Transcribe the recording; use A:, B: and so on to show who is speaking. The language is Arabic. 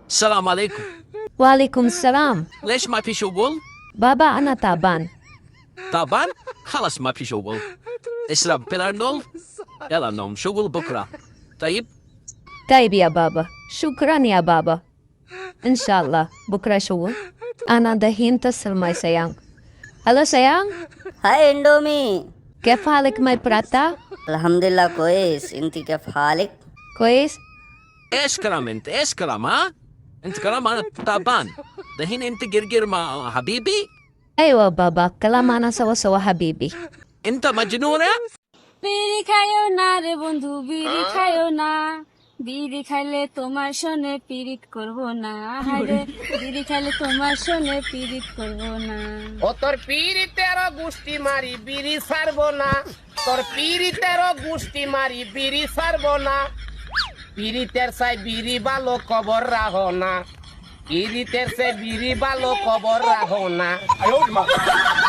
A: السلام عليكم.
B: وعليكم السلام.
A: ليش ما في شغل؟
B: بابا أنا تعبان.
A: تعبان؟ خلاص ما في شغل. اشرب بيرانول. يلا نوم شغل بكرة. طيب؟
B: طيب يا بابا، شكرا يا بابا. إن شاء الله بكرة شغل. أنا دحين تصل ماي سيان. هلو سيان،
C: هاي اندومي.
B: كيف حالك ماي براتا؟
C: الحمد لله كويس، انت كيف حالك؟
B: كويس؟
A: ايش كلام انت؟ ايش كلام ها؟ انت كلام انا تعبان. دحين انت قرقر مع حبيبي؟
B: أيوة بابا، كلام أنا سوا سوا حبيبي.
A: انت مجنونة؟
D: বিড়ি খাইও না রে বন্ধু, বিড়ি খাইও না। বিড়ি খাইলে তোমার শোনে পিরিত করব না। হায়রে বিড়ি খাইলে তোমার শোনে পিরিত করব না।
E: ও তোর পিরিতেরও গুষ্টি মারি বিড়ি ছাড়বো না, তোর পিরিতেরও গুষ্টি মারি বিড়ি ছাড়বো না। পিরিতের চাই বিড়ি ভালো খবর রাখো না, পিরিতের চাই বিড়ি ভালো খবর রাখো না।